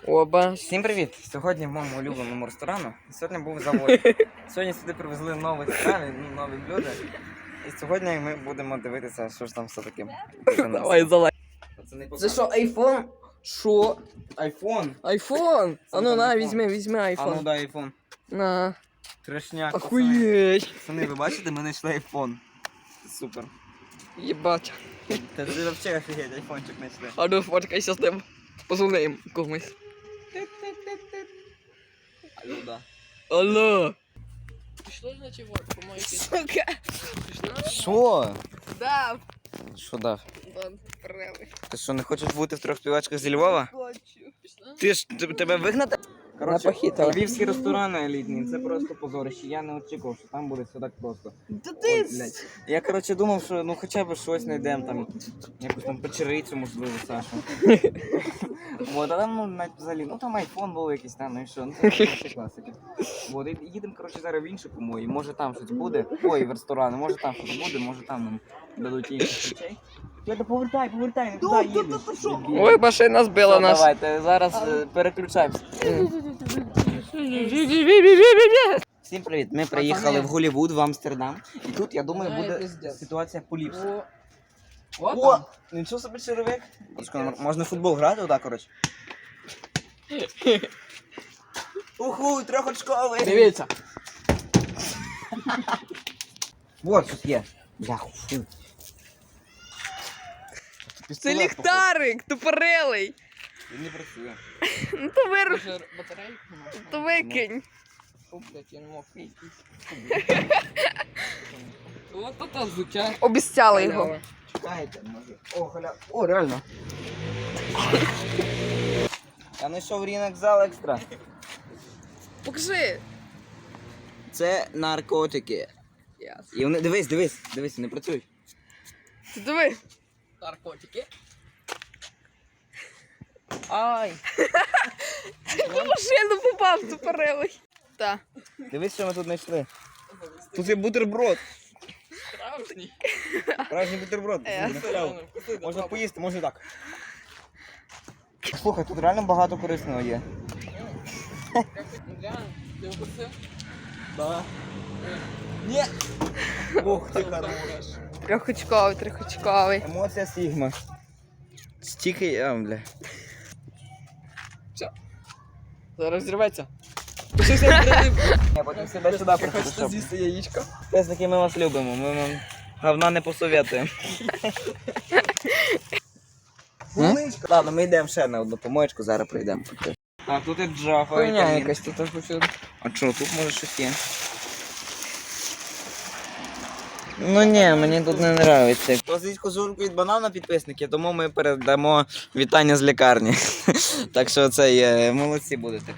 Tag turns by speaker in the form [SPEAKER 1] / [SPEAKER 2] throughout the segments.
[SPEAKER 1] Оба.
[SPEAKER 2] Всім привіт! Сьогодні в моєму улюбленому ресторану. Сьогодні був завод. Сьогодні сюди привезли нові страви, нові блюда. І сьогодні ми будемо дивитися, що ж там все таке.
[SPEAKER 1] Давай, залай.
[SPEAKER 2] Це
[SPEAKER 1] що, айфон? Що?
[SPEAKER 2] Айфон?
[SPEAKER 1] Айфон? А ну на, візьми
[SPEAKER 2] А
[SPEAKER 1] айфон.
[SPEAKER 2] ну дай айфон.
[SPEAKER 1] На.
[SPEAKER 2] Трешняк.
[SPEAKER 1] Охуєть.
[SPEAKER 2] Пацани, ви бачите, ми знайшли айфон. Супер.
[SPEAKER 1] Єбать.
[SPEAKER 2] Та ти взагалі офігеть, айфончик знайшли.
[SPEAKER 1] А ну, фоткай, щас ним. Позвоним комусь.
[SPEAKER 2] Алло, да.
[SPEAKER 1] Алло. Пішло, значить, вот, по-моєму. Сука. Пішло?
[SPEAKER 2] Що?
[SPEAKER 1] Да.
[SPEAKER 2] Що дав?
[SPEAKER 1] Вон, правий.
[SPEAKER 2] Ти що, не хочеш бути в трьох співачках зі Львова?
[SPEAKER 1] Хочу. Пішло?
[SPEAKER 2] Ти ж тебе вигнати?
[SPEAKER 1] Напохитала.
[SPEAKER 2] Львівські ресторани елітні, це просто позорище. Я не очікував, що там буде все так просто.
[SPEAKER 1] Да
[SPEAKER 2] Ой,
[SPEAKER 1] ти...
[SPEAKER 2] блядь. Я, коротше, думав, що ну хоча б щось знайдемо там, якусь там печерицю, можливо, Сашу. Вот, а там, ну, навіть взагалі, ну там айфон був якийсь там, ну і що, ну це ще класики. Вот, і їдемо, коротше, зараз в іншу помою, може там щось буде, ой, в ресторани, може там щось буде, може там нам дадуть інших речей. Повертай, не туди їдеш.
[SPEAKER 1] Ой, машина збила
[SPEAKER 2] Все,
[SPEAKER 1] нас.
[SPEAKER 2] давайте, зараз переключаємося. Всім привіт, ми приїхали в Голлівуд, в Амстердам. І тут, я думаю, буде ситуація поліпша. О, нічого собі червик. Можна в футбол грати отак, коротше. Уху, трьохочковий.
[SPEAKER 1] Дивіться.
[SPEAKER 2] Вот, щось є. Бляху.
[SPEAKER 1] Це ліхтарик, тупорилий.
[SPEAKER 2] Він не працює.
[SPEAKER 1] Ну то вируши. То викинь.
[SPEAKER 3] я не мог Вот это звучать.
[SPEAKER 1] Обіцяли його.
[SPEAKER 2] Чекайте, може. О, халя. О, реально. Я знайшов ринок зал екстра.
[SPEAKER 1] Покажи.
[SPEAKER 2] Це наркотики. І вони, дивись, не працюють.
[SPEAKER 1] Ти диви.
[SPEAKER 3] Наркотики.
[SPEAKER 1] Ай. В машину попав тупорилий. Так.
[SPEAKER 2] Дивись, що ми тут знайшли. Тут є бутерброд.
[SPEAKER 3] Справжній.
[SPEAKER 2] Справжній бутерброд. Можна поїсти, може так. Слухай, тут реально багато корисного є.
[SPEAKER 3] Ти вкусив?
[SPEAKER 2] Да. Ні. Ух, ти хорош.
[SPEAKER 1] Трьохочковий.
[SPEAKER 2] Емоція Сігма. Стільки, бля.
[SPEAKER 3] Зараз зірветься.
[SPEAKER 2] Я потім себе сюди
[SPEAKER 3] Хочете з'їсти яєчко?
[SPEAKER 2] Те, з такими ми вас любимо, ми вам говна не посоветуємо. Ладно, ми йдемо ще на одну помоєчку, зараз прийдемо. Так, тут є джафа.
[SPEAKER 1] Хуйня якась тут хочу.
[SPEAKER 2] А що, тут може щось є? Ну ні, мені тут не подобається. Просить кожурку від банана підписники, тому ми передамо вітання з лікарні. Так що це є, молодці будете.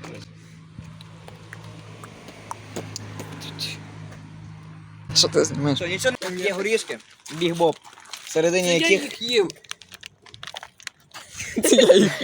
[SPEAKER 1] Що ти знімаєш?
[SPEAKER 2] Що, нічого не є горішки, біг-боб, всередині яких...
[SPEAKER 3] їх їв.
[SPEAKER 1] Я їх